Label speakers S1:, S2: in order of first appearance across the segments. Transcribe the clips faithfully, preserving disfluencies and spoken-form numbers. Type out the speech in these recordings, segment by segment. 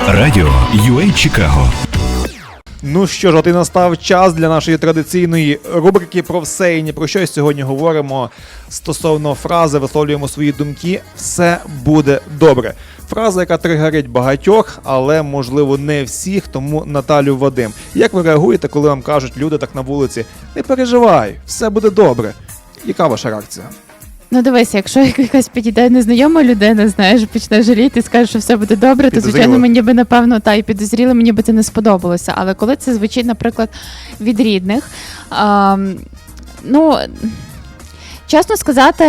S1: Радіо ю ей Чикаго.
S2: Ну що ж, от і настав час для нашої традиційної рубрики про все і ні про що. Сьогодні говоримо стосовно фрази, висловлюємо свої думки «все буде добре». Фраза, яка тригерить багатьох, але, можливо, не всіх, тому Наталю, Вадим. Як ви реагуєте, коли вам кажуть люди так на вулиці «не переживай, все буде добре»? Яка ваша реакція?
S3: Ну дивися, якщо якась підійде незнайома людина, знаєш, почне жаліти і скаже, що все буде добре, то, звичайно, мені би, напевно, та і підозріло, мені би це не сподобалося. Але коли це звучить, наприклад, від рідних, а, ну... Чесно сказати,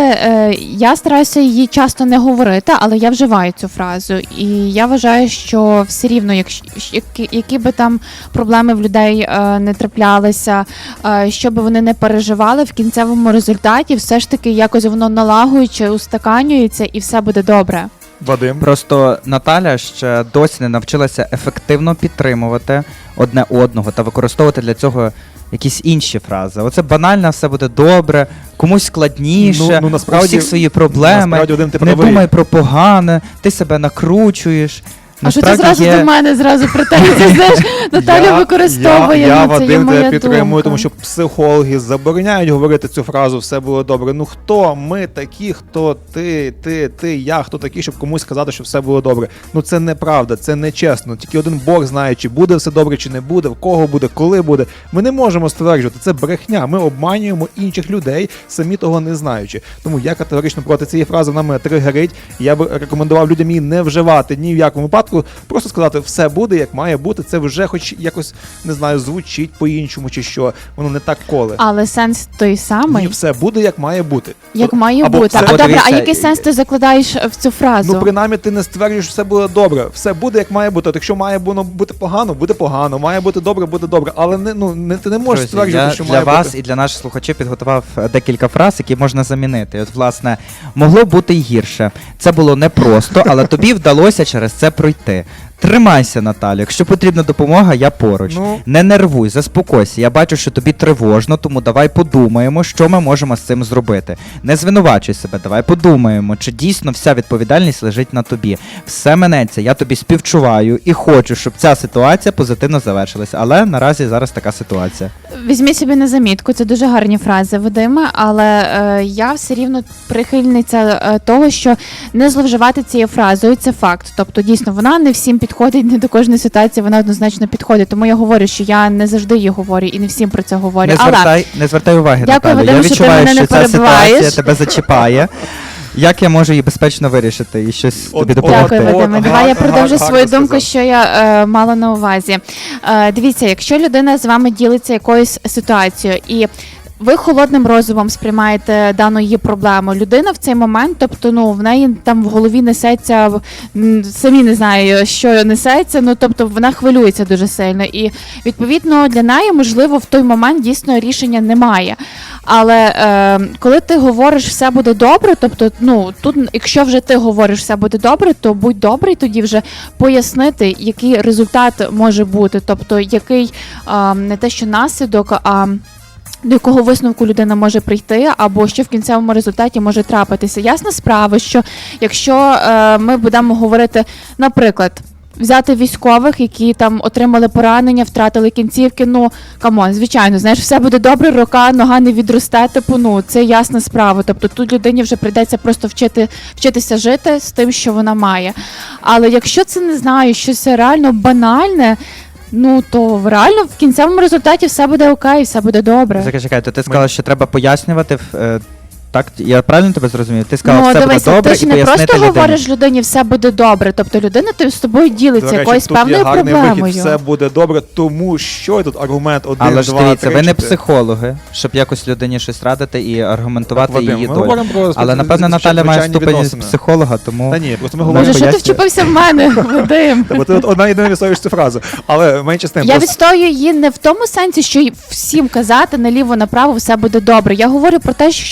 S3: я стараюся її часто не говорити, але я вживаю цю фразу. І я вважаю, що все рівно, якщо, які, які би там проблеми в людей не траплялися, що би вони не переживали, в кінцевому результаті все ж таки якось воно налагуючи, устаканюється і все буде добре.
S2: Вадим?
S4: Просто Наталя ще досі не навчилася ефективно підтримувати одне одного та використовувати для цього якісь інші фрази. Оце банально, все буде добре, комусь складніше,
S2: ну, ну, насправді,
S4: у всіх свої проблеми,
S2: Вадим, ти
S4: не
S2: правий.
S4: думай про погане, ти себе накручуєш.
S3: А що ти зразу
S4: є...
S3: до мене зразу претензії, знаєш, Наталя
S2: я,
S3: використовує,
S2: я, я,
S3: ну, це є
S2: Вадим,
S3: моя
S2: тебе підтримую,
S3: думка.
S2: тому що психологи забороняють говорити цю фразу «все було добре». Ну хто ми такі, хто ти, ти, ти, я, хто такі, щоб комусь сказати, що все було добре? Ну це неправда, це нечесно. Тільки один Бог знає, чи буде все добре, чи не буде, в кого буде, коли буде. Ми не можемо стверджувати, це брехня. Ми обманюємо інших людей, самі того не знаючи. Тому я категорично проти цієї фрази, вона мене тригерить. Я би рекомендував людям її не вживати ні в якому випадку, просто сказати «все буде, як має бути», це вже хоч якось, не знаю, звучить по-іншому чи що, воно не так коле.
S3: Але сенс той самий.
S2: Ні, все буде, як має бути.
S3: Як має
S2: Або
S3: бути.
S2: це-
S3: А добре,
S4: Дивіться,
S3: а який сенс ти закладаєш в цю фразу?
S2: Ну, принаймні, ти не стверджуєш, що все буде добре. Все буде, як має бути. От якщо має воно бути погано, буде погано. Має бути добре, буде добре. Але не, ну, не, ти не можеш
S4: Друзі,
S2: стверджувати,
S4: я
S2: що
S4: для
S2: має
S4: вас
S2: бути.
S4: і для наших слухачів підготував декілька фраз, які можна замінити. От, власне, могло бути й гірше. Це було непросто, але тобі вдалося через це пройти. Тримайся, Наталю, якщо потрібна допомога, я поруч.
S2: Ну.
S4: Не нервуй, заспокойся. Я бачу, що тобі тривожно, тому давай подумаємо, що ми можемо з цим зробити. Не звинувачуй себе, давай подумаємо, чи дійсно вся відповідальність лежить на тобі. Все минеться, я тобі співчуваю і хочу, щоб ця ситуація позитивно завершилася. Але наразі зараз така ситуація.
S3: Візьміть собі на замітку, це дуже гарні фрази, Вадиме, але е, я все рівно прихильниця е, того, що не зловживати цією фразою, це факт. Тобто, дійсно, вона не всім підходить, не до кожної ситуації вона однозначно підходить. Тому я говорю, що я не завжди її говорю і не всім про це говорю.
S4: Не
S3: Але
S4: звертай, не звертай уваги,
S3: Дякую,
S4: Наталю.
S3: Вадиме,
S4: Я
S3: що ти
S4: відчуваю,
S3: мене не
S4: що ця ситуація
S3: перебиваєш.
S4: тебе зачіпає. Як я можу її безпечно вирішити і щось
S2: От-
S4: тобі
S2: от-
S4: допомогти?
S3: Дякую,
S2: От,
S3: Вадиме.
S2: от,
S3: Давай я
S2: гар-
S3: продовжу
S2: гарно
S3: свою думку,
S2: сказав.
S3: що я е, мала на увазі. Е, дивіться, якщо людина з вами ділиться якоюсь ситуацією і ви холодним розумом сприймаєте дану її проблему. Людина в цей момент, тобто, ну, в неї там в голові несеться, м, самі не знаю, що несеться, ну, тобто, вона хвилюється дуже сильно. І, відповідно, для неї, можливо, в той момент дійсно рішення немає. Але е, коли ти говориш «все буде добре», тобто, ну, тут, якщо вже ти говориш «все буде добре», то будь добрий тоді вже пояснити, який результат може бути, тобто, який е, не те, що наслідок, а до якого висновку людина може прийти, або що в кінцевому результаті може трапитися. Ясна справа, що якщо е, ми будемо говорити, наприклад, взяти військових, які там отримали поранення, втратили кінцівки, ну, камон, звичайно, знаєш, все буде добре, рука, нога не відросте, типу, ну, це ясна справа. Тобто тут людині вже прийдеться просто вчити, вчитися жити з тим, що вона має. Але якщо це, не знаю, щось реально банальне, ну, то реально в кінцевому результаті все буде окей, все буде добре.
S4: Чекай, чекай, то ти сказала, що треба пояснювати, е, так? Я правильно тебе зрозумів? Ти сказала,
S3: Ну,
S4: все
S3: дивися,
S4: буде добре,
S3: ти ж
S4: і
S3: не
S4: пояснити
S3: просто
S4: людині.
S3: говориш людині «все буде добре», тобто людина ти з тобою
S2: До
S3: ділиться
S2: речі,
S3: якоюсь
S2: тут є
S3: певною
S2: гарний
S3: проблемою.
S2: вихід, все буде добре, тому що і тут аргумент один,
S4: Але ж
S2: два,
S4: дивіться,
S2: три,
S4: ви не
S2: чотири.
S4: психологи, щоб якось людині щось радити і аргументувати
S2: Так, Вадим,
S4: її
S2: ми
S4: долю.
S2: говоримо про
S4: Але, напевно, Наталя має
S2: звичайні
S4: ступені
S2: відносини.
S4: психолога, тому...
S2: Та ні, просто ми
S4: Вона
S2: говоримо...
S3: Боже, що ти
S4: пояснює.
S3: вчепився в мене, Вадим?
S2: Бо ти от одна єдина відстоюєш цю фразу. Але менше з тим.
S3: Я
S2: просто-
S3: відстоюю її не в тому сенсі, що й всім казати наліво-направо все буде добре. Я говорю про те, що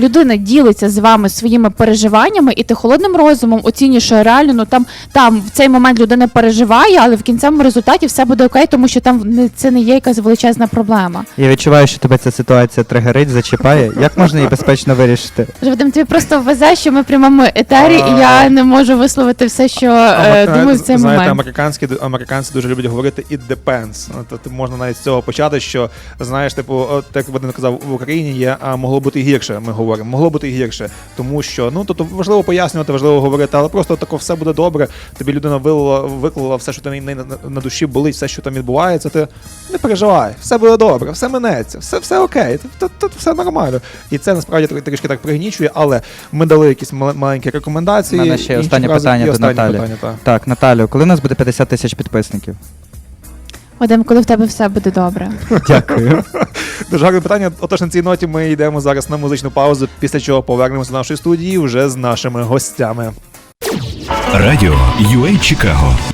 S3: людина ділиться з вами своїми переживаннями, і ти холодним розумом оцінюєш, що реально, ну там, там в цей момент людина переживає, але в кінцевому результаті все буде окей, тому що там не, це не є якась величезна проблема.
S4: Я відчуваю, що тебе ця ситуація тригерить, зачіпає. Як можна її безпечно вирішити?
S3: Вадим, тобі просто везе, що ми в прямому етері, і я не можу висловити все, що е, думаю в цей
S2: Знаєте,
S3: момент.
S2: американські, американці дуже люблять говорити «it depends». Ну, то, то можна навіть з цього почати, що, знаєш, типу, от, як Вадим казав, в Україні є, а могло бути і гірше, ми говоримо, могло бути і гірше, тому що, ну, то, то важливо пояснювати, важливо говорити, але просто тако все буде добре, тобі людина вилила, виклала все, що там на, на, на душі болить, все, що там відбувається, ти не переживай, все буде добре, все минеться, все, все окей, тут, тут все нормально. І це насправді трішки так пригнічує, але ми дали якісь мал- маленькі рекомендації.
S4: У мене ще
S2: інші
S4: останнє
S2: фрази
S4: питання
S2: і
S4: до
S2: останнє
S4: Наталі.
S2: питання, так.
S4: Так, Наталю, коли у нас буде п'ятдесят тисяч підписників?
S3: Вадим, коли в тебе все буде добре.
S4: Дякую.
S2: Дуже гарне питання. Отож, на цій ноті ми йдемо зараз на музичну паузу, після чого повернемося до нашої студії вже з нашими гостями.
S1: Радіо ю ей Чикаго